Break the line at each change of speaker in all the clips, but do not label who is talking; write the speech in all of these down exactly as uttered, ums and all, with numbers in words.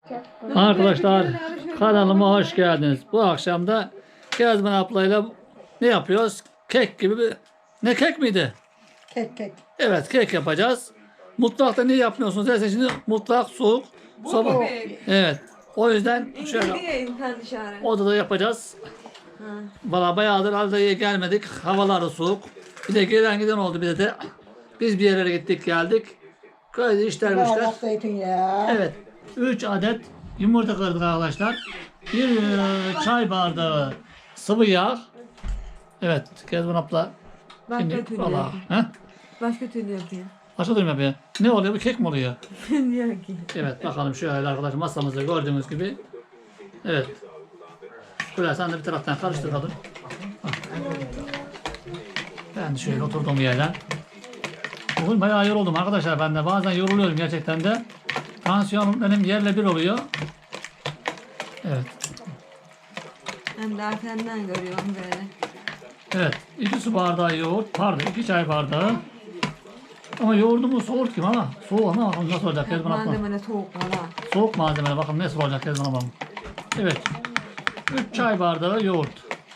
Arkadaşlar kanalıma hoş geldiniz. Bu akşam da Kezban ablayla ne yapıyoruz? Kek gibi bir... Ne kek miydi?
Kek kek.
Evet, kek yapacağız. Mutfakta niye yapmıyorsunuz derse şimdi mutfak soğuk. Soba. Evet. O yüzden şöyle odada yapacağız. Valla bayağıdır halde gelmedik. Havalar da soğuk. Bir de gelen giden oldu bir de. Biz bir yerlere gittik geldik. Köyde işler işler.
Bardak zeytinyağı.
Evet. üç adet yumurta kırdık arkadaşlar. Bir e, çay bardağı sıvı yağ. Evet. Kezban abla.
Başka
Şimdi
türlü
valla.
yapayım.
He?
Başka türlü yapayım.
Başka türlü mü yapıyor? Ne oluyor? Bu kek mi oluyor?
Bilmiyorum ki.
Evet. Bakalım şöyle arkadaşlar masamızda gördüğünüz gibi. Evet. Şöyle sen de bir taraftan karıştır kadın. Ben de şöyle oturduğum yerden. Bugün bayağı yoruldum arkadaşlar ben de. Bazen yoruluyorum gerçekten de. Tansiyonum benim yerle bir oluyor. Evet.
Hem de senden görüyorum böyle.
Evet. iki su bardağı yoğurt. Pardon iki çay bardağı. Ama yoğurdumu soğuk kim ama. Soğuk ama bakalım nasıl olacak Kezban ablam.
Malzeme soğuk valla.
Soğuk malzeme bakalım nasıl olacak Kezban ablam. Evet. üç çay bardağı yoğurt.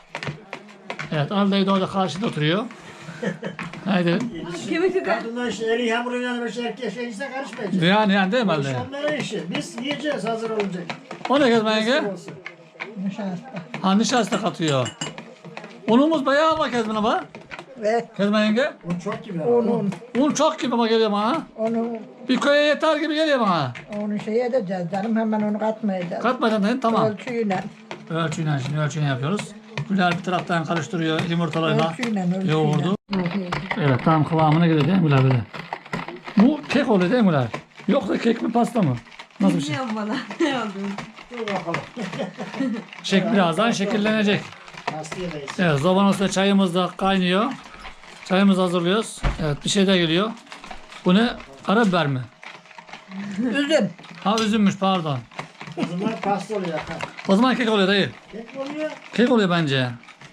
Evet. Aldayı da orada karşıda oturuyor. Haydi.
Kimisi de
Kadınlar işte eli hamuruyla bir şey erkek şey ise karışmayacak.
Yani yani değil mi
Bu
Alday?
iş onların işi. Biz yiyeceğiz hazır olunca.
O ne Kezban yenge?
Olsun.
Nişasta.
Ha nişasta katıyor. Unumuz bayağı ama Kezban abla.
Ve
Kezban yenge.
Un çok gibi.
onun,
Un çok gibi ama geliyor bana.
onu,
Bir köye yeter gibi geliyor bana.
onu şey edeceğiz canım. Hemen onu katmayacağız.
Katmadan değil tamam.
Ölçüyle.
Ölçüyle şimdi ölçüyle yapıyoruz. Güler bir taraftan karıştırıyor yumurtalarla
Ölçüyle, ölçüyle.
yoğurdu. Evet tam kıvamına göre değil mi Güler böyle? Bu kek oluyor değil mi Güler? Yoksa kek mi pasta mı? Nasıl bir şey?
bilmiyorum valla. Ne oldu?
Dur bakalım.
Şek birazdan şekillenecek.
Hastayadayız.
Evet zobanın üstünde çayımız da kaynıyor. Çayımızı hazırlıyoruz. Evet bir şey de geliyor. Bu ne? Karabiber mi?
Üzüm.
Ha üzümmüş pardon.
O zaman pasta oluyor. Ha.
O zaman kek oluyor dayı.
Kek oluyor.
Kek oluyor bence.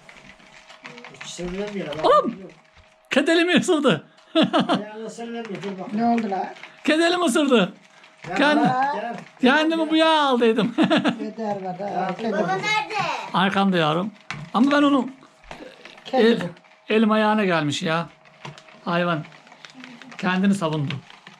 Hiç sevilen bir yere.
Oğlum! Kedelimi ısırdı.
Ayağına sevilen bir dur bakalım.
Ne oldu la?
Kedelim ısırdı. Kendi,
Gel.
kendimi bu yağa aldıydım.
Yeter var da. Kedi.
Arkamda yavrum. Ama ben onu
Kedi
el,
bu.
elim ayağına gelmiş ya. Hayvan. Kendini savundu.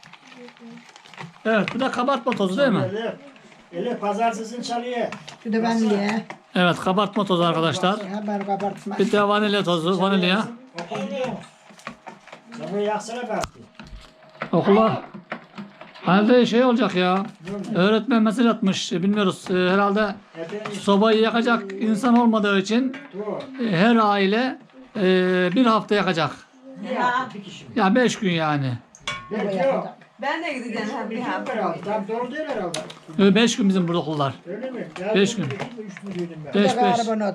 Evet bu da kabartma tozu değil mi?
Eli, eli pazartesini çalıyor.
Bir de ben ye.
Evet kabartma tozu arkadaşlar.
Haber kabartma.
Bir de vanilya tozu. Vanilya.
Okunuyor. Sen bunu yaksana belki.
Okula. Halde şey olacak ya. Öğretmen mesaj atmış. Bilmiyoruz. Ee, herhalde
Efendim.
sobayı yakacak insan olmadığı için
Dur.
e, her aile e, bir hafta yakacak.
Bir hafta bir kişi mi?
Ya beş gün yani.
Belki yok.
Ben de gideceğim hem
Bir
bir
gün
hafta.
herhalde. Tam doğru değil herhalde.
Ee, Beş gün bizim burada okullar.
Öyle mi? Ya
Beş
bir-
gün.
bir- bir- Üç mü duydum ben?
Bir de
Beş beş.
karbonat.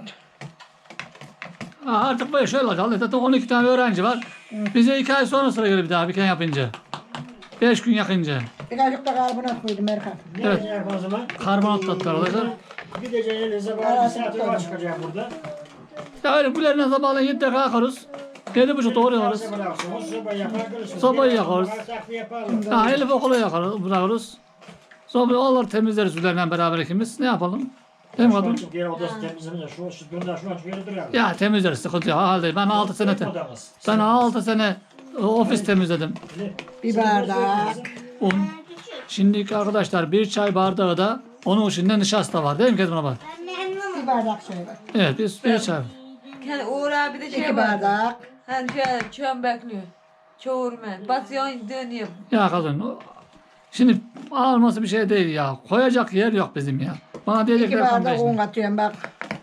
Ha, artık böyle şöyle olacak. Zaten on iki tane öğrenci var. Bize iki ay sonra sıra gelir bir daha bir kere yapınca. Beş gün yakınca.
Birazcık da karbonat koydum Erkan.
Ne
Evet.
yapacak o zaman?
Karbonat tatlı arkadaşlar.
Gideceğin elinize bağlı bir saat yola çıkacağım burada.
Ya öyle gülerine sabahleyin yedide kalkarız. Yedi buçukta oraya varız.
Soba yaksınız, soba yakar görürsünüz.
Sobayı
Bir
yakarız.
takviye yapalım.
Ha, Elif okula yakarız, bırakırız. Sonra onları temizleriz üzerinden beraber ikimiz. Ne yapalım? Değil mi
Şu
kadın?
açık yer odası temizlenir. Şu şu bunlar şu açık yeri durar.
Ya temizleriz sıkıntı yok. Halde ben altı sene te-
Odamız.
ben altı sene e, ofis temizledim.
Bir bardak.
Un. Şimdiki arkadaşlar bir çay bardağı da onun içinde nişasta var değil mi Kezban abla?
Bir bardak söyle.
Evet biz bir çay.
Yani Uğur abi de şey
İki
var.
bardak.
Hani şöyle çöm bekliyor. Çoğurma. Basıyorsun dönüyor.
Ya kadın o- şimdi alması bir şey değil ya. Koyacak yer yok bizim ya. Bana
İki
diyecekler
bardak un
kardeşim.
katıyorum bak.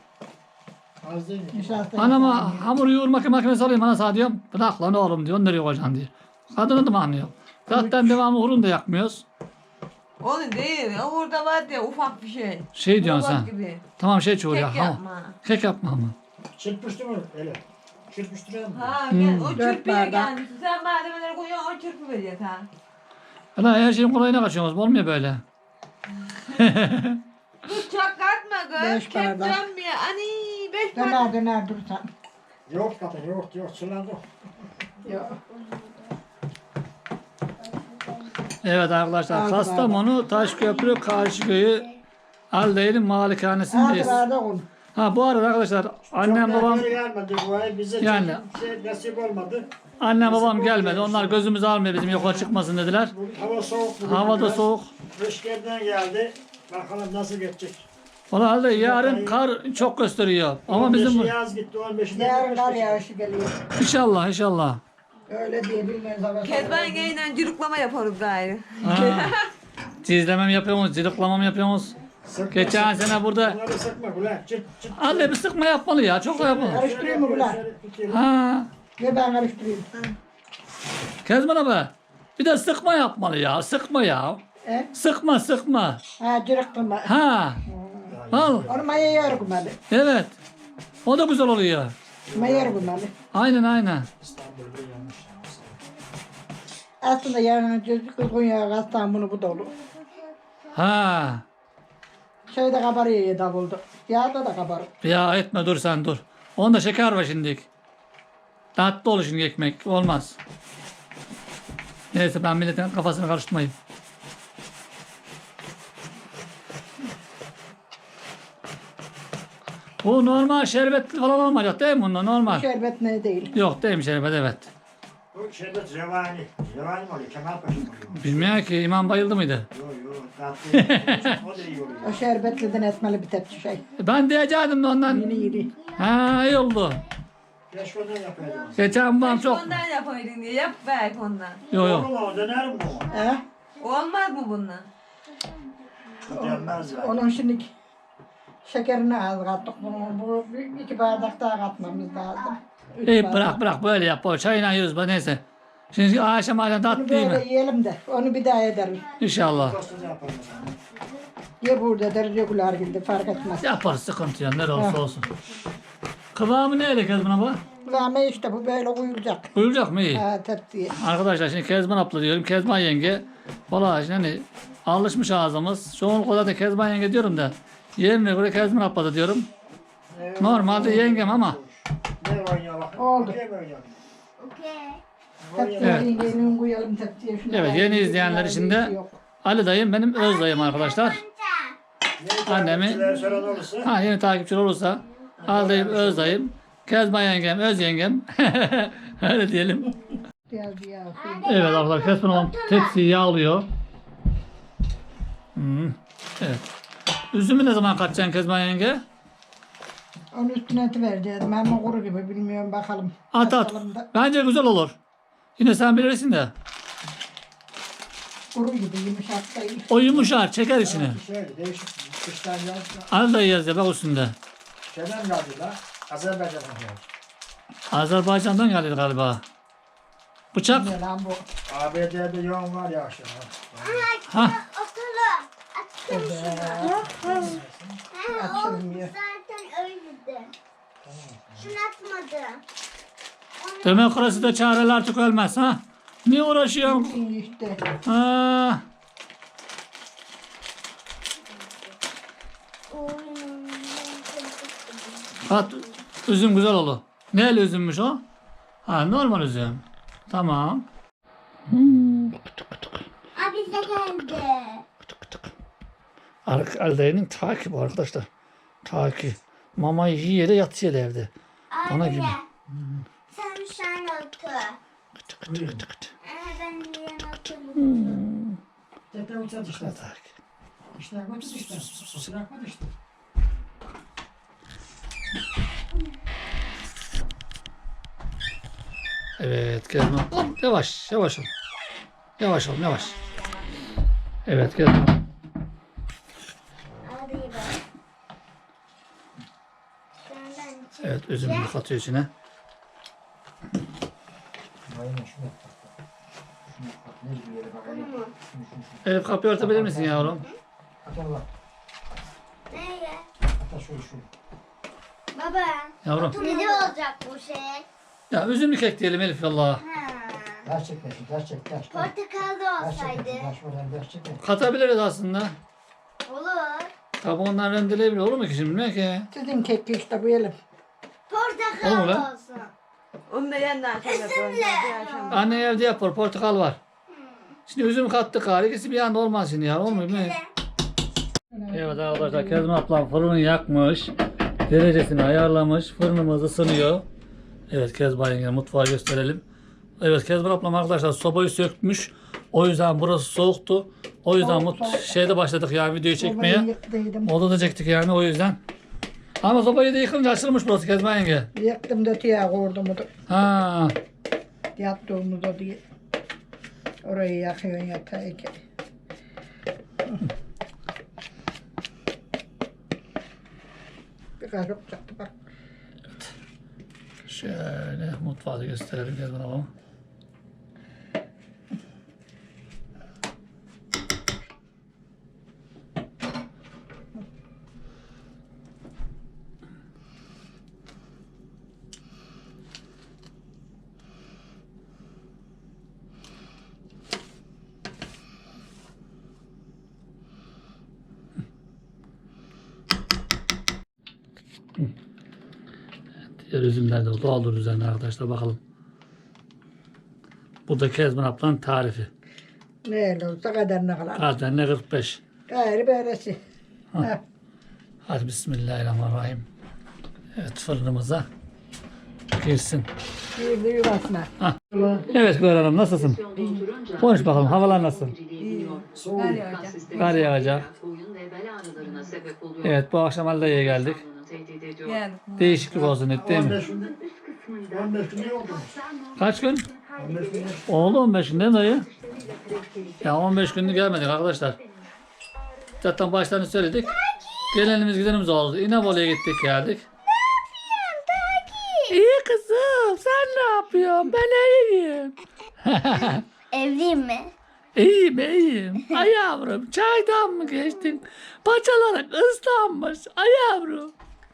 Az değil mi?
Nişasta.
Anama hamur yoğurma makinesi alayım ana sana diyorum. Bırak lan oğlum diyor. Nereye koyacaksın diyor. Kadını da mı anlıyor? Zaten devamlı hurun da yakmıyoruz.
Onu değil. Orada var diye ufak bir şey.
Şey diyorsun
Robot
sen.
gibi.
Tamam şey çoğu ya.
Kek
Ha,
yapma.
kek yapma ama.
Çırpıştı mı? Öyle. Çırpıştıralım mı?
Ha
Hmm.
gel, o
Dört
çırpıya
bardak.
gelmişsin. Sen malzemeleri koyuyorsun, o çırpı veriyor ha.
Ulan her şeyin kolayına kaçıyoruz. Olmuyor böyle.
Dur çok katma kız.
Beş
Kek
bardak.
dönmüyor. Ani beş bardak.
Döner döner dursan.
Yok kadın yok yok sulandı.
Yok.
Evet arkadaşlar
Altı
Kastamonu Taşköprü Karşıköy'ü Halde'nin
Altı
malikanesindeyiz.
bardak un.
Ha bu arada arkadaşlar annem
Çok
babam
da gelmedi bu ay. Bize
Yani.
yani. şey nasip olmadı.
annem babam gelmedi. Onlar gözümüzü almıyor bizim yola çıkmasın dediler.
Bu hava soğuk. bugün
Hava da
biraz.
soğuk.
Rüzgardan geldi. Bakalım nasıl geçecek.
Valla halde yarın kar çok gösteriyor. Ama bizim
on
bu-
beşi yaz gitti. on beşinde
Yarın kar
kış
yağışı geliyor.
inşallah inşallah.
Öyle diye bilmez hava.
Kezban yengeyle cürüklama yaparız gayrı.
Ha. Cizlemem yapıyoruz, cırıklamam yapıyoruz.
Sıkma,
Geçen
sıkma.
sene burada
Bunları sıkma ulan. Çıt çıt.
halde bir sıkma yapmalı ya. Çok da yapmalı.
Karıştırayım mı ulan?
Ha.
Ve ben karıştırayım.
Kezban abi. Bir de sıkma yapmalı ya. Sıkma ya.
He?
Sıkma sıkma.
Ha cırıktım.
Ha. Al.
Onu maya yer kumalı.
Evet. O da güzel oluyor.
Maya yer kumalı.
Aynen aynen.
İstanbul'da yanlış.
Aslında yarın kızgın yağı katsan bunu bu dolu.
Ha.
Şeyde kabarıyor ya davuldu. Yağda da kabarır.
Ya etme dur sen dur. Onda şeker var şimdi. Tatlı olur şimdi ekmek. Olmaz. Neyse ben milletin kafasını karıştırmayayım. Bu normal şerbetli falan olmayacak değil mi bunda normal?
Şerbet ne değil.
Yok değil mi şerbet evet.
Bu şerbet revani. Revani mi oluyor? Kemal Paşa mı oluyor?
Bilmiyorum ki imam bayıldı mıydı?
Yok yok. Tatlı. O da iyi oluyor.
O şerbetliden etmeli bir tepsi şey.
Ben diyecektim de ondan.
Yeni yeni.
Ha iyi oldu.
Keşke ondan yapaydım.
Geçen babam çok.
Ondan yapaydın diye yap belki ondan.
Yok yok.
Olur mu o? Döner mi o?
He?
Olmaz mı bundan?
Dönmez yani.
Onun şimdi şekerini az kattık. Bunu, bu bir- iki bardak daha katmamız lazım. Üç
İyi
bardak.
bırak bırak böyle yap. O çayla yiyoruz bak neyse. Şimdi akşam akşam
Bunu
tatlı değil
böyle
mi?
yiyelim de onu bir daha ederiz.
İnşallah.
Tostu yapalım.
Ye burada deriz yokular gibi fark etmez.
Yaparız sıkıntı yok. Ne olursa olsun. Kıvamı ne öyle Kezban abla?
Kulağıma işte bu böyle uyulacak.
Koyulacak mı iyi?
Ha tepsiye.
Arkadaşlar şimdi Kezban abla diyorum. Kezban yenge. Valla şimdi hani alışmış ağzımız. Çoğunlukla da Kezban yenge diyorum da. Yerine göre Kezban abla da diyorum. Normalde yengem ama.
Ne oynuyor bak.
Oldu.
Okey mi oynuyor?
Tepsiye
Evet.
yengenin koyalım tepsiye. Şunu
Evet, yeni izleyenler için de
Yok.
Ali dayım benim öz dayım arkadaşlar.
Ne
Annemi-
takipçiler soran olursa.
Ha yeni takipçiler olursa Ali dayım öz dayım. Kezban yengem öz yengem. Öyle diyelim.
Biraz bir yağ koyayım.
Evet arkadaşlar Kezban ablam tepsiyi yağlıyor. Hmm. Evet. Üzümü ne zaman katacaksın Kezban yenge?
Onun üstüne eti vereceğiz. Ama kuru gibi bilmiyorum bakalım.
At at.
Bakalım da
Bence güzel olur. Yine sen bilirsin de.
Kuru gibi yumuşak değil.
O yumuşar çeker içine.
Şöyle değişik. Kıştan yazda.
Ali dayı yazıyor bak üstünde.
Şeyden geldi la. Azerbaycan'dan geldi.
Azerbaycan'dan geldi galiba. Bıçak.
Ne lan bu?
A B D'de yoğun var ya aşağı.
Ha.
Açılmıyor.
Zaten öyleydi. Şunu atmadı.
Demokraside çareler tükenmez ha. Niye uğraşıyorsun?
İyi işte.
Ha. At, üzüm güzel olur. Neyle üzümmüş o? Ha normal üzüm. Tamam.
Abi bize geldi.
Alde'nin takip arkadaşlar. Takip. Mamayı yiyor da yatıyor da evde. Bana gibi.
Sen sen otur.
Kıtı kıtı kıtı kıtı.
Ee, ben diyen otururum.
Zaten uçak işte.
Takip.
İşte yapmadı işte. Bırakmadı işte.
Evet Kezban. Yavaş yavaş ol. Yavaş ol yavaş. Evet Kezban.
Hadi bak. Senden çık.
Evet üzümünü katıyor içine.
Aynen şunu yap. Şunu yap. Ne bir yere bak.
Bunu mu?
Elif kapıyı örtebilir misin yavrum?
At Allah.
Neye?
At şöyle şöyle.
Baba.
Yavrum.
Ne olacak bu şey?
Ya üzümlü kek diyelim Elif valla.
Ha.
Ders çekmesin. Ders çek. Ders.
Portakal da
Ders
olsaydı.
çekmesin. Ders oradan ders çekmesin.
Katabiliriz aslında.
Olur.
Kabuğundan rendeleyebilir olur mu ki şimdi bilmiyorum ki.
Sizin keki işte bu yelim.
Portakal
Olur lan.
olsun.
Onu da yeniden şöyle yapalım. Bir akşam.
Anne evde yapar portakal var. Şimdi üzüm kattık gari ikisi bir anda olmaz şimdi ya olmuyor mu? Evet arkadaşlar Kezban ablam fırını yakmış. Derecesini ayarlamış. Fırınımız ısınıyor. Evet Kezban yenge mutfağı gösterelim. Evet Kezban ablam arkadaşlar sobayı sökmüş. O yüzden burası soğuktu. O yüzden
Soğuk,
mut
soğuk.
şeyde başladık yani videoyu çekmeye.
Sobayı yıktıydım.
Odada çektik yani o yüzden. Ama sobayı da yıkınca açılmış burası Kezban yenge.
Yaktım da tiyağı koydum.
Ha.
Yattığımızda diye. Orayı yakıyorsun yatağı ki. Biraz yok çıktı bak.
Şöyle mutfağı da gösterelim Kezban ablam. Diğer üzümler de doğal üzerine arkadaşlar bakalım. Bu da Kezban ablanın tarifi.
Ne olursa kaderine kalan.
Zaten ne kırk beş.
Gayrı böylesi. Ha.
Hadi bismillahirrahmanirrahim. Evet fırınımıza girsin.
Girdi yuvasına.
Evet Güler Hanım nasılsın? Konuş bakalım havalar nasıl?
Kar yağacak.
Kar yağacak. Evet bu akşam Alda'ya geldik.
Geldik.
Değişiklik olsun dedi değil mi?
on beş gün ne oldu?
Kaç gün?
on beş gün.
Oldu on beş gün değil mi dayı? Ya on beş günlük gelmedik arkadaşlar. Zaten başlarını söyledik. Gelenimiz gidenimiz oldu. İnebolu'ya gittik geldik. İyi kızım sen ne yapıyorsun? Ben iyiyim.
Evliyim mi?
İyiyim iyiyim. Ay yavrum çaydan mı geçtin? Paçaların ıslanmış. Ay yavrum.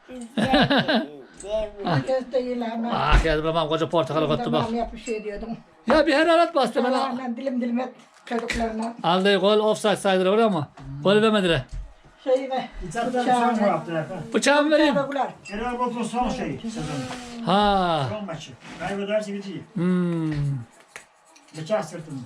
Herkes değil ama.
Ah geldi babam koca portakalı koydu bak.
Tamam yap bir şey diyordum.
Ya bir hararet bastı bana.
Allah'la dilim dilim et çocuklarına.
Aldığı gol offside saydılar oraya ama gol vermediler.
Şeyine.
İçeriden son bu hafta efendim.
Bıçağımı vereyim.
Çocuklar.
Genel Bot'un son şeyi sezonu.
Ha.
Son maçı. Kaybederse bitiyor.
Hmm.
Bıçak sırtında.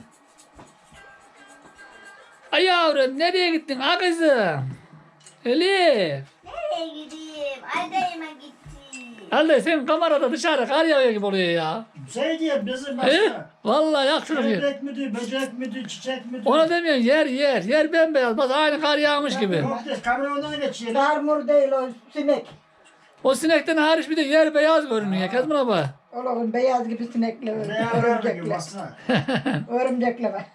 Ay yavrum nereye gittin ha kızım? Elif.
Nereye gideyim? Aydayıma gittim.
Allah sen kamerada dışarı kar yağıyor gibi oluyor ya.
Şey diye bizim
He?
başta.
Vallahi yak şunu bir.
Böcek müdür, böcek müdür, çiçek müdür?
Ona demiyorsun yer yer. Yer bembeyaz. Bak aynı kar yağmış gibi.
Yok diye kamyondan geçiyor.
Sarmur değil o sinek.
O sinekten hariç bir de yer beyaz görünüyor. Kezban abla.
Oğlum beyaz gibi sinekle
Ne haber gibi
örümcekle.
baksana.
Örümcekle bak.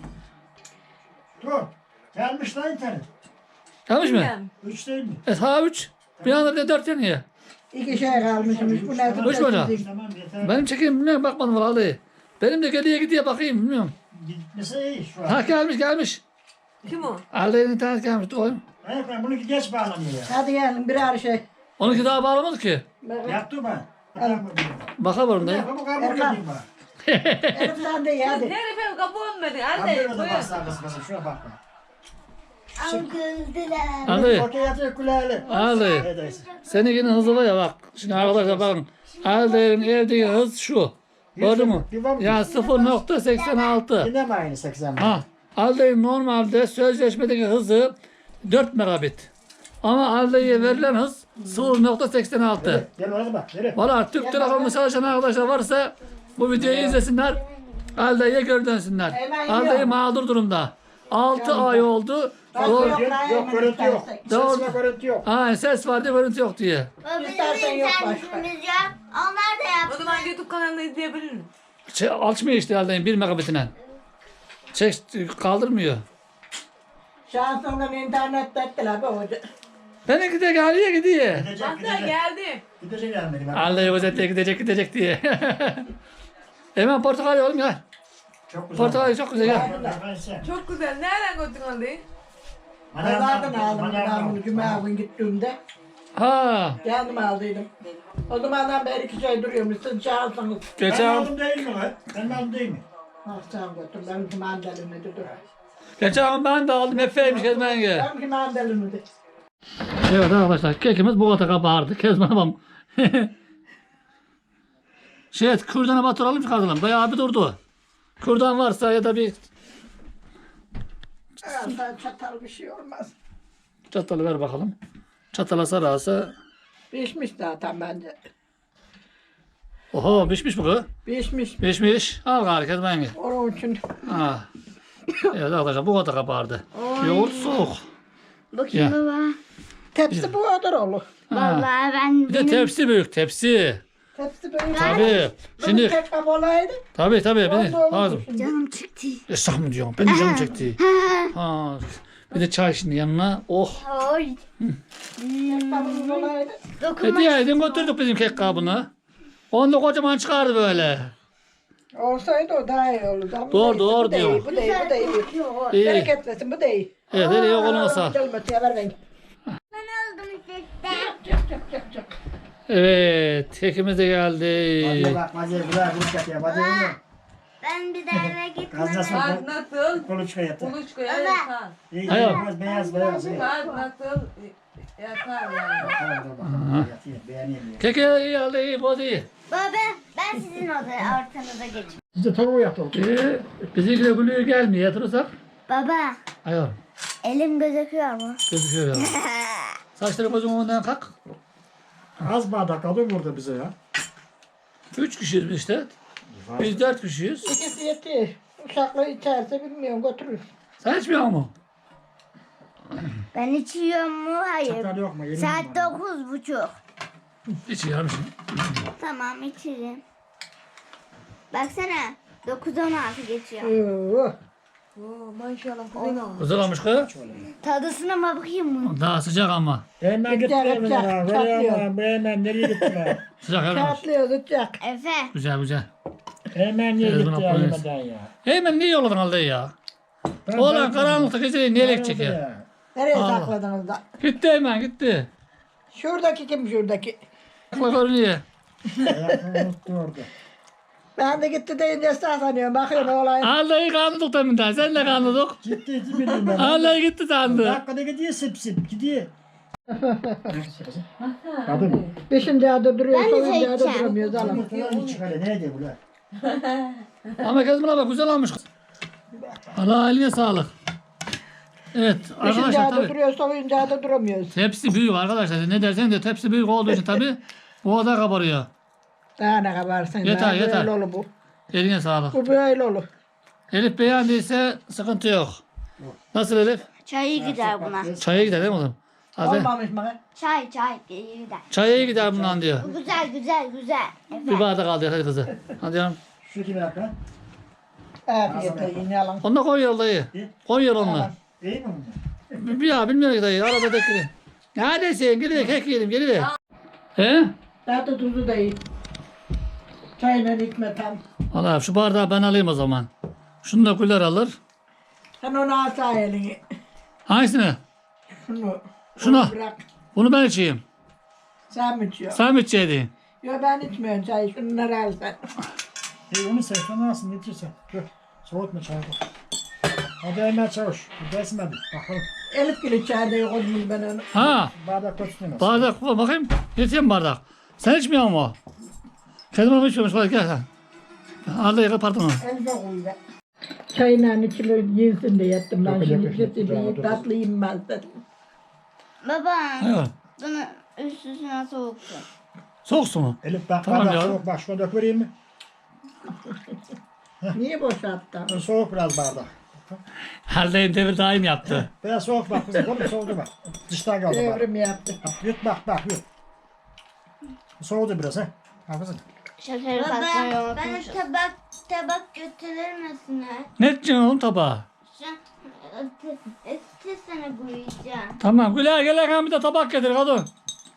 Dur. Gelmiş lan internet.
Yanlış mı?
Bilmem.
Üç değil mi?
Evet ha üç. Bir anda bir de dört yanıyor.
İki şey kalmışmış. Bu ne?
Üç mü hocam?
Tamam yeter.
Benim çekeyim bilmiyorum bakmadım vallahi. Benim de geriye gidiyor bakayım bilmiyorum.
Gitmesi iyi şu an.
Ha gelmiş gelmiş.
Kim o?
Aldayın internet gelmiş. Oğlum.
Evet ben bununki geç bağlanıyor ya.
Hadi gelin birer şey.
Onunki daha bağlamadı ki.
Yaptı mı? Tamam.
Bakalım da.
Yapma bu kabul
Erkan.
edeyim bak.
Elif sen de ye hadi.
Nerede benim kapı olmadı?
Ben
Anne
böyle de
buyur.
basar kız kızım şuna bakma.
Ama güldüler.
Aldayı.
Okey yatıyor kulağıyla.
Aldayı.
Neredeyse.
Seninkinin hızı var ya bak. Şimdi arkadaşlar bakın. Aldayın evdeki hız şu. Gördün mü?
Bir var mı?
Yani sıfır nokta seksen altı.
Yine mi aynı seksen?
Ha. Aldayın normalde sözleşmedeki hızı dört megabit. Ama Aldayı'ya verilen hız sıfır nokta seksen altı.
Gel oraya bak. Nereye?
Valla Türk Telekom'da çalışan arkadaşlar varsa bu videoyu izlesinler. Aldayı'ya geri dönsünler.
Hemen
Aldayı
yiyorum.
mağdur durumda. altı ay oldu. Doğru.
Yok,
Yok, yok görüntü yok.
Doğru.
Ses ve görüntü yok.
Ha, ses var diye görüntü yok diye.
Baba bizim
İstersen yok
internetimiz yok. Onlar da
O
yapsın.
zaman YouTube kanalında izleyebilir miyim?
Şey, açmıyor işte Aldayı'nın bir megabitine. Çek kaldırmıyor.
Şansından internet ettiler be hoca.
Benimki de geliyor gidiyor.
Gidecek
Hatta
gidecek.
geldi.
Gidecek gelmedi. bak.
Aldayı özetle gidecek gidecek diye. Hemen portakal oğlum gel.
Çok güzel.
Portakal çok güzel gel.
Ben sen.
Çok güzel. Nereden götürdün Ali'yi?
Pazardan aldım
Manavdan.
ben cuma gün gittiğimde.
Ha.
Kendim aldıydım. O zamandan beri iki şey duruyormuş. Siz çağırsanız.
Ben
Geçen
aldım değil mi lan? Ben aldım değil mi?
Ah sen götür. Benimki mandalini de dur.
geçen ben de aldım Efe'ymiş Kezban yenge.
Benimki mandalini de.
Evet arkadaşlar kekimiz bu kadar kabardı. Kezban babam. şey kürdana batıralım çıkartalım. Bayağı bir durdu. Kürdan varsa ya da bir
Alsan çatal bir şey olmaz.
çatalı ver bakalım. Çatala sararsa.
Pişmiş zaten bence.
Oho pişmiş bu kız.
Pişmiş.
Pişmiş. Al gari kez ben.
Onun için.
Ha. Evet arkadaşlar bu kadar kabardı. Yoğurt soğuk.
Bakayım
Ya.
baba.
Tepsi bu kadar olur.
Ha.
Vallahi ben
Bir de tepsi büyük tepsi.
Tepsi böyle.
Tabii.
Şimdi
Şimdi
tek kap olaydı.
tabii tabii. Bir de,
Oldu, oldu
lazım.
şimdi.
canım çıktı.
Esnaf mı diyorum? Ben de canım çekti. Ha. Bir de çay şimdi yanına. Oh.
Oy.
Tek kabımız olaydı.
Dokunma.
Hediye edin götürdük bizim kek kabını. Onu da kocaman çıkardı böyle.
Olsaydı o daha iyi olurdu. Ama
Doğru,
neyse,
doğru
bu da iyi,
diyor.
Bu da iyi, bu da iyi.
İyi.
Bereketlesin, bu da iyi.
Evet hele yok olmasa.
Gelmesi ver ben.
Ben aldım işte.
Çak çak çak çak.
Evet. Kekimiz de
Hadi
geldi.
bak hadi buraya kuruş yap ya. Hadi oğlum.
Ben bir daha eve gitmem.
Gaznasın
Kart nasıl?
kuluçka yatı.
Kuluçka yatar.
İyi
Hayır.
beyaz beyaz beyaz. iyi.
Kart nasıl yatar yani.
Tamam dur bakalım. Yatayım beğeneyim ya.
Keke iyi geldi iyi bu iyi.
Baba ben sizin odaya ortanıza geçeyim.
Siz de tavuğu yapalım.
Ee, bizimki de gülüyor gelmiyor yatırırsak.
Baba
Hayır.
elim gözüküyor mu?
Gözüküyor ya. Saçları gözümün önünden kalk.
Az bardak adı burada bize ya.
Üç kişiyiz biz işte. Biz dört kişiyiz.
İkisi yeter. Uşakla içerse bilmiyorum götürür.
Sen içmiyor mu?
Ben içiyorum mu? Hayır.
Çatal yok mu? Yerim
Saat
var.
dokuz buçuk.
İçiyorum şimdi.
Tamam içerim. Baksana dokuz on altı geçiyor.
Oo.
Oo, maşallah güzel olmuş.
Güzel olmuş kız.
Tadısına mı bakayım mı?
Daha sıcak ama.
Hemen gitti
Çak,
hemen
çak,
ya.
çak
Böyle
diyor.
ama hemen nereye gitti lan?
Sıcak evet.
Kağıtlıyor, tutacak.
Efe.
Güzel güzel.
Hemen niye
Evet,
gitti
buna
ya
koyarız.
yemeden ya?
Hemen niye yolladın halde ya?
Ben-
Oğlan
ben-
karanlıkta geceleyin niye elek çekiyor?
Ya.
Nereye
Allah.
sakladınız da?
Gitti hemen gitti.
Şuradaki kim şuradaki?
Akla görünüyor.
Ayaklarını unuttu orada.
Ben de gitti deyince esnaf sanıyorum. Bakıyorum olayım.
Allah'ı kandık deminden. Sen de kandık.
Gitti gitti bildim ben.
Allah'ı gitti sandı.
Dakikada gidiyor sip sip gidiyor. Kadın.
Beşinci adı duruyor,
Ben de
sonuncu adı
seçeceğim.
duramıyoruz alalım.
Yumurtalarını çıkarıyor. Nerede bu lan?
Ama kız buna bak güzel olmuş. Allah eline sağlık. Evet
Beşinci
arkadaşlar
adı
tabii.
duruyor, sonuncu adı duramıyoruz.
Tepsi büyük arkadaşlar. Ne dersen de tepsi büyük olduğu için tabii bu kadar kabarıyor.
Daha ne kabarsın.
Yeter,
daha
yeter.
Böyle olur bu.
Eline sağlık.
Bu böyle olur.
Elif beğendiyse sıkıntı yok. Nasıl Elif?
Çayı gider buna.
Çaya gider değil mi oğlum? Hadi.
Olmamış mı?
Çay çay iyi gider.
Çaya gider bundan diyor.
Bu güzel güzel güzel.
Bir
Efe.
bardak aldı hadi kızı. Hadi canım.
Şu kimi yap lan?
Afiyete yiyin yalan.
Onu da koy yol dayı. Koy yol onunla.
İyi mi bunlar?
Bir ya bilmiyorum ki dayı. Arada bekle. Neredesin? Geliver kek yiyelim geliver. He?
Tadı tuzu da iyi. Çayla içme tam.
Allah şu bardağı ben alayım o zaman. Şunu da güler alır.
Sen onu alsa elini.
Hangisini?
Şunu.
Şunu.
onu Bırak.
Bunu ben içeyim.
Sen mi içiyorsun?
Sen mi içeceydin?
Yok ben içmiyorum çayı. Şunları al sen.
İyi onu sevsen alsın getirsen. Dur. Soğutma çayı. Hadi hemen çavuş. Desmedim. Bakalım.
Elif Gül içeride yok onu ben onu.
Ha?
Bardak koştunuz.
Bardak koy bakayım. Getireyim bardak. Sen içmiyor mu? Kendime mi içmiyormuş? Hadi gel sen. Al dayı pardon.
Elif'e koy be. Çayla içilir yesin diye yaptım ben
Yok,
şimdi.
yok, yok,
Sesi
yok,
bir
yok.
tatlı yiyeyim dedim.
Baba
Evet.
bunu üst üstüne soğuksun.
Soğuk su mu?
Elif bak
Tamam
bardak
ya.
soğuk. Bak şuna dök vereyim mi?
Niye boşalttın?
Soğuk biraz bardak.
Haldeyim devir daim yaptı.
Biraz soğuk bak kızım. Oğlum soğudu bak. Dıştan kaldı bak.
Devrim yaptı.
Yut bak bak yut. Soğudu biraz ha. Bak kızım.
Şekeri katmayı unutmuşum. tabak tabak götürür müsün?
Ne edeceksin oğlum tabağa?
Istesene koyacağım.
Tamam Güler gel bir de tabak getir kadın.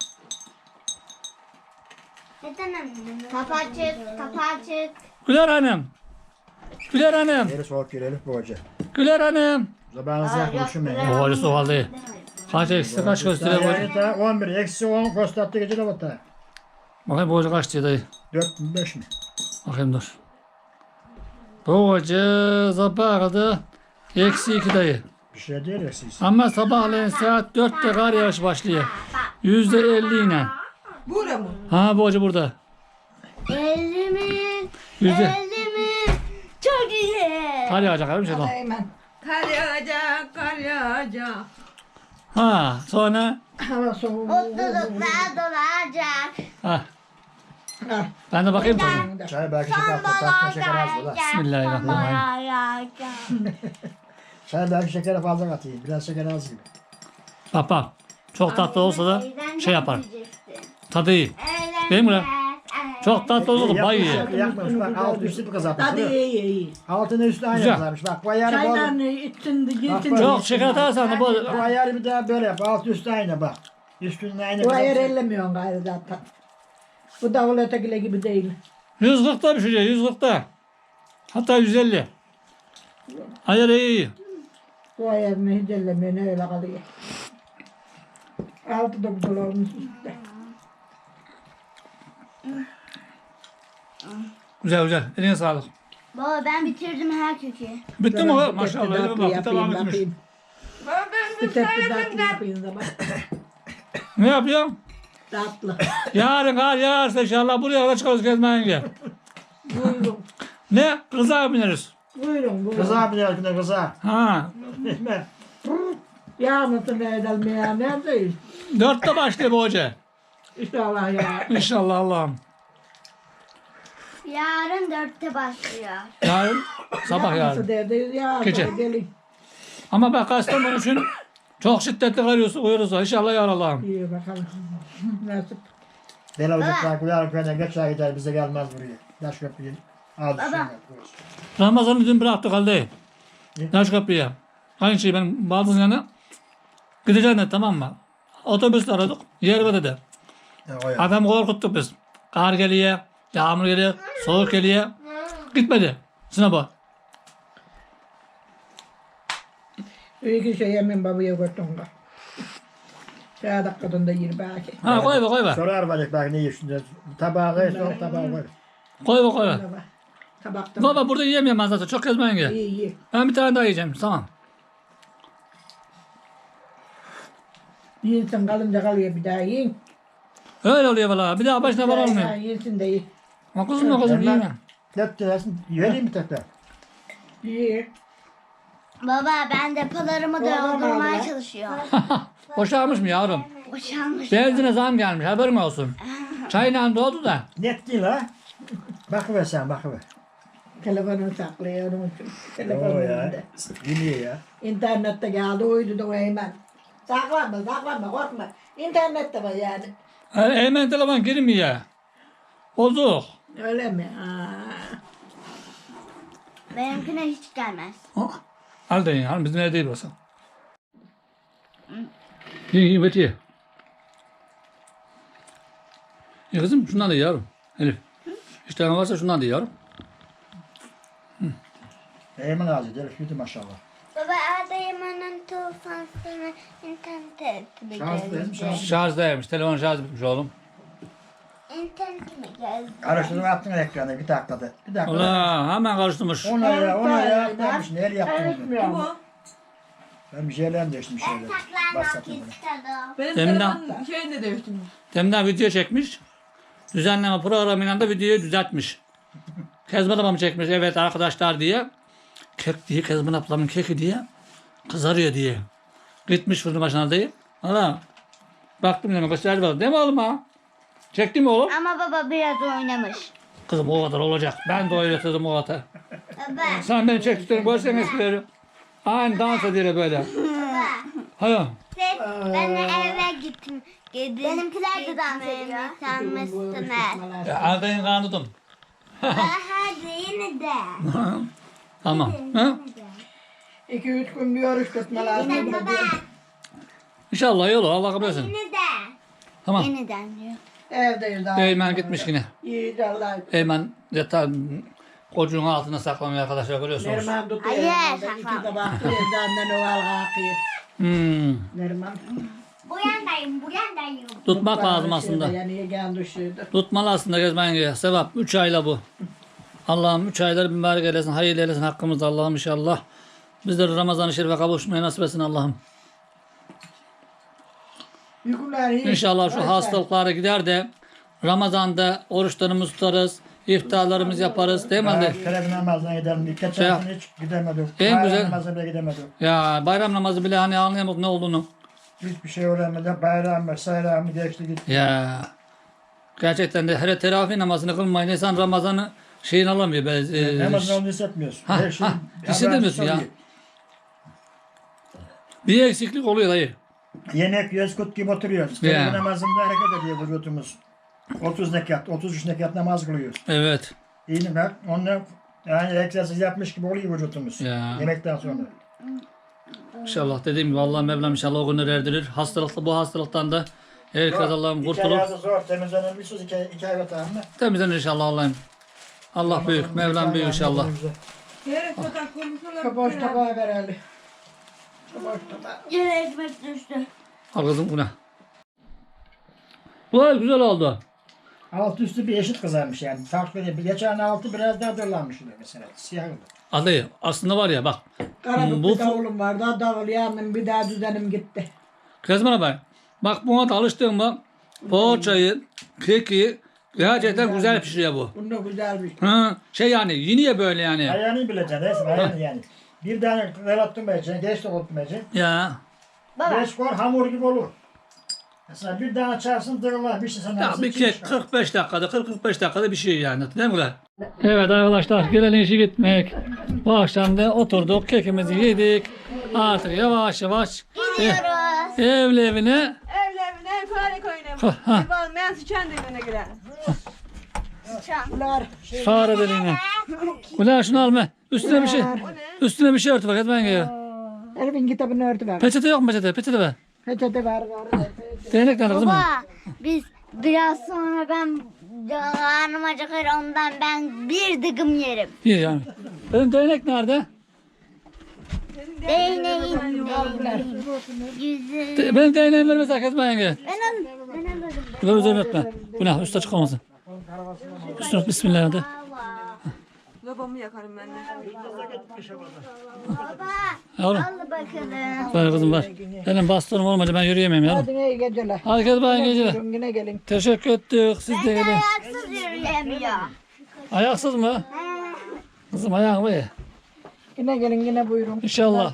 Neden annem? Kapağı çık, kapağı çık.
Güler hanım. Güler hanım.
Yeri soğuk gir Elif bu hoca.
Güler hanım.
Zamanınızı yakmışım ben.
O hali soğuk halde. Kaç eksi kaç gösteriyor bu hoca?
Yani on bir eksi on kostattı gece de battı.
Bakayım bu hoca kaç diyor dayı.
dört bin beş mi?
Bakayım dur. Bu hoca sabahladı. Eksi iki dayı.
Bir şey değil eksiyiz.
Ama sabahleyin saat dörtte kar yağış başlıyor. Yüzde elli ile.
Bura mı?
Ha bu hoca burada.
Elimi,
Yüzde.
elimi. Çok iyi.
Kar yağacak abi bir şey lan.
Hemen.
Kar yağacak, kar yağacak.
Ha sonra
Hava soğuk.
Mutluluklar dolacak.
ha,
Ah,
ben de bakayım tabii.
Çay belki şeker attı. Tatlı şeker az bu da.
Bismillahirrahmanirrahim.
Çay belki şekeri fazla katayım. Biraz şeker az gibi.
Bak bak. Çok tatlı olsa da şey yapar. Tadı iyi. Değil mi lan? Çok tatlı olsa da bay iyi.
Yakmamış bak altı üstü bir kızartmış.
hadi iyi iyi.
Altını üstü aynı
Güzel.
kızarmış. Bak bu ayarı bol.
Çaylarını içsin de gitsin.
Bak,
Çok şeker atarsan da bu
Bu ayarı bir daha böyle yap. Altı üstü aynı bak. Üstünün aynı
Bu ayar
kızartmış.
ellemiyorsun gayrı zaten. Bu davul ötekiyle gibi değil.
yüz kırkta bir şey, yüz kırkta. Hatta yüz elli. Hayır iyi iyi.
Bu ayarını hiç ellemiyor, ne öyle kalıyor. Altı da güzel olmuş işte.
Güzel güzel. Eline sağlık.
Baba ben bitirdim her kökü.
Bitti mi
Ben
o?
bir
Maşallah.
tepsi
Elime
tatlı
bak. Bir
yapayım,
tabağım bitmiş.
bakayım. Bir tepsi tatlı yapayım da bak.
Ne yapıyorsun?
Tatlı.
Yarın kar yağarsa inşallah buraya kadar çıkarız gezmeye gel.
Buyurun.
Ne? Kıza bineriz.
Buyurun buyurun.
Kızar bir yer kızar.
Ha.
Yağmursun ne edelim ya, neredeyiz?
Dörtte başlıyor bu hoca.
İnşallah ya.
İnşallah Allah'ım.
Yarın dörtte başlıyor.
Yarın sabah
Nasıl
yarın.
derdeyiz ya?
Gece.
Gelin.
Ama ben Kastamonu için çok şiddetli karıyorsa uyursa inşallah yar Allah'ım.
İyi bakalım. Nasip.
Bela ocaklar kuyar köyüne geçer gider bize gelmez buraya. Taş köprüyü al düşün.
Ramazan'ı dün bıraktık halde.
Ne?
Taş kapıya. Aynı şey benim baldızın yanına. Gideceğim de tamam mı? Otobüsle aradık. Yer var dedi.
O ya.
Adam korkuttuk biz. Kar geliyor, yağmur geliyor, soğuk geliyor. Gitmedi. Sınava.
İyi ki şey yemin babaya götürdüm da. Şaya dakikada yer belki.
Ha koy be koy be.
Sorar bacak bak ne yiyorsun? Tabağı koy, soğuk tabağı koy.
Koy be koy be.
Baba. Tabakta.
Baba burada yiyemiyorum ben zaten. Çok gezmeyin gel.
İyi iyi.
Ben bir tane daha yiyeceğim. Tamam.
Yiyinsin kalınca kalıyor bir daha yiyin.
Öyle oluyor valla. Bir daha başına var
Ya,
olmuyor.
yiyinsin de iyi.
Ha kızım da kızım yiyeyim ben.
Dört tanesini vereyim mi tekrar?
İyi.
Baba ben depolarımı
Baba,
doldurmaya
baba.
çalışıyorum.
Boşalmış mı yavrum?
Boşalmış.
Benzine zam gelmiş. Haberin olsun. Çayla doldu da.
Net değil ha. Bakıver sen bakıver.
Telefonu saklıyor onun için.
Oo
Telefonu
ya.
önünde.
Dinliyor ya.
İnternette geldi uydu da o hemen. Saklanma saklanma korkma. İnternette var yani.
Ha, hemen telefon girmiyor. Bozuk.
Öyle mi? Aa.
Benimkine hiç gelmez.
Al da yiyin. Al bizim evde değil olsa. Ye ye bet ye. Ye kızım şundan da ye yavrum. Elif. İşte varsa şundan da ye yavrum.
Eymen ağzı derif yedi maşallah.
Baba adayımın tufansını internete mi
Şans değil mi? Şans.
Şarjdaymış. Telefon şarjı bitmiş oğlum.
İnternete mi geldi?
Karıştırdım attın ekranı bir dakikada. Bir dakikada.
Ulan hemen karıştırmış.
Ona ya ona ya.
Evet,
Yapmış neler yaptın onu.
Karışmıyor mu?
Ben bir şeyler değiştim şeyler.
Saklanmak
Başlattım bunu.
istedim.
Benim
Deminden-
telefonum şeyini de değiştim.
Demden video çekmiş. Düzenleme programıyla da videoyu düzeltmiş. Kezban ablamı çekmiş. Evet arkadaşlar diye. Kek diye Kezban ablamın keki diye. Kızarıyor diye. Gitmiş fırın başına diye. Valla. Baktım demek gösterdi bana. Değil mi oğlum ha? Çekti mi oğlum?
Ama baba biraz oynamış.
Kızım o kadar olacak. Ben de oynatırdım o kadar.
Baba.
Sen beni çektiklerini görsen eskileri. Aynı dans ediyor böyle. Hayır.
Ben de eve gittim. Benimkiler de dans ediyor. Sanmışsınız.
Ya, Aldayın kanıdım.
Hadi yine de.
Tamam. Ha?
İki üç gün bir oruç tutma lazım.
Baba.
İnşallah iyi olur. Allah kabul etsin.
Yine de.
Tamam.
Yeniden diyor.
Evdeyiz daha.
Eymen gitmiş yine.
İyi de Allah'a.
Eymen yatağı kocuğun altına saklanıyor arkadaşlar görüyorsunuz.
Neriman tutuyor.
Hayır,
herhalde.
saklan.
İki tabak evden de oval kalkıyor.
Hmm.
Neriman.
Bu yandayım, bu yandayım.
Tutmak lazım aslında.
Yani yegen düşürdü.
Tutmalı aslında gezmen gerekiyor. Sevap. Üç ayla bu. Allah'ım üç ayları mübarek eylesin. Hayırlı eylesin hakkımızda Allah'ım inşallah. Bizleri Ramazan-ı Şerif'e kavuşmaya nasip etsin Allah'ım.
Yükler iyi.
İnşallah şu
Başlar.
hastalıklara gider de Ramazan'da oruçlarımızı tutarız. İftarlarımızı yaparız. Değil mi anne?
Televiz namazına gidelim. Geçen
Şey yap.
sene hiç gidemedik.
En
Bayram
güzel-
namazına bile gidemedik.
Ya bayram namazı bile hani anlayamadık ne olduğunu.
Hiçbir şey öğrenmeden bayram ve sayram geçti gitti.
Ya gerçekten de hele teravih namazını kılmayın insan Ramazan'ı şeyini alamıyor. Böyle, e,
Namazını onu hissetmiyorsun.
Ha,
Her şey
ha, hissedemiyorsun ya.
oluyor.
Bir eksiklik oluyor dayı.
Yemek yiyoruz, kut gibi oturuyoruz.
Ya.
Yeah. Namazında hareket ediyor vücudumuz. otuz nekat, otuz üç nekat namaz kılıyoruz.
Evet.
İyi mi? Onunla yani egzersiz yapmış gibi oluyor vücudumuz.
Ya.
Yemekten sonra.
İnşallah dediğim gibi Allah Mevlam inşallah o günleri erdirir. Hastalıkta bu hastalıktan da herkes Allah'ım
İki
kurtulur.
ayağı zor, temizlenir bir söz iki, iki ay vatanı.
Temizlenir inşallah Allah'ım. Allah büyük, Mevlam büyük inşallah.
Yere sokak kurmuşlar.
Şu boş tabağı ver Ali. Şu boş tabağı.
Yere ekmek düştü.
Al kızım buna. Bu ay güzel oldu.
Altı üstü bir eşit kızarmış yani. Farklı değil. Geçen altı biraz daha dörlanmış mesela. Siyah oldu.
Adayı aslında var ya bak.
Karabük
Bu
bir davulum vardı. Davul yandım bir daha düzenim gitti.
Kezban abi. Bak buna da alıştın mı? Poğaçayı, keki gerçekten güzel pişiriyor bu.
Bunda güzel bir şey.
Ha, şey yani yeniye böyle yani.
Ayağını bileceksin. Resim ayağını yani. Bir tane kırattırmayacaksın. Geç de oturmayacaksın.
Ya.
Geç koy hamur gibi olur. Mesela bir tane açarsın dırlar bir şey sana.
Ya bir kek kırk beş dakikada kırk kırk beş dakikada bir şey yani değil mi ulan? Evet arkadaşlar gelelim işi gitmek. Bu akşam da oturduk kekimizi yedik. Artık yavaş yavaş ev, evli evine.
Evlerine fare koyuna.
Ha, ha.
Ev almayan sıçan dibine girer.
Bunlar
Fare deliğine. Ulan şunu alma. Üstüne bir şey. Üstüne bir şey örtü bak etmen gerekiyor.
Elif'in kitabını örtü ver.
Peçete yok mu peçete? Peçete ver.
Peçete ver ver.
Değnek nerede kızım?
Baba biz biraz sonra ben karnım acıkır ondan ben bir dıgım yerim.
İyi yani. Benim değnek nerede?
Değneğin değneğin yüzü.
De- benim değneğimi vermezsen kesme yenge.
Ben al, ben alırım.
Ver üzerine öpme. Bu ne? Üstü açık olmasın. Üstüne öp. Bismillah de.
Lobamı yakarım ben de.
Baba
Yavrum.
al bakalım.
Ver kızım ver. Benim bastonum olmadı ben yürüyemem yavrum.
Hadi iyi geceler.
Hadi kes bayan geceler.
Buyurun yine gelin.
Teşekkür ettik. Siz de
Ben de
gelin.
ayaksız yürüyemiyor.
Ayaksız mı? Kızım ayağın mı?
Yine gelin yine buyurun.
İnşallah.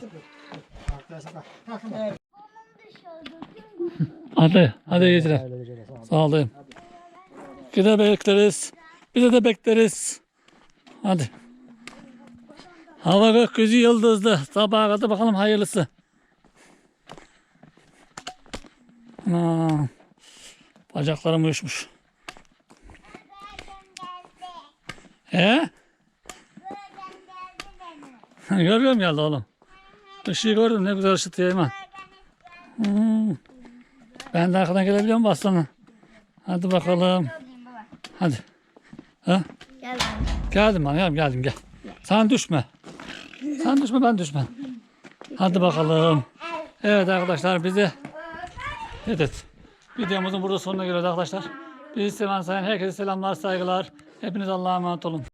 Hadi. Hadi iyi geceler. Sağ olun. Yine bekleriz. Bize de bekleriz. Hadi. Hava gökyüzü yıldızlı. Sabaha kadar bakalım hayırlısı. Aman. Bacaklarım uyuşmuş. He? Görüyorum geldi oğlum. Işığı gördüm ne güzel ışıtıyor hemen. Hmm. Ben de arkadan gelebiliyor muyum aslanım? Hadi bakalım. Hadi. Ha?
Gel ben.
Geldim ben geldim, geldim gel. Sen düşme. Sen düşme ben düşmem. Hadi bakalım. Evet arkadaşlar bizi evet. Videomuzun burada sonuna geliyoruz arkadaşlar. Bizi seven sayan herkese selamlar saygılar. Hepiniz Allah'a emanet olun.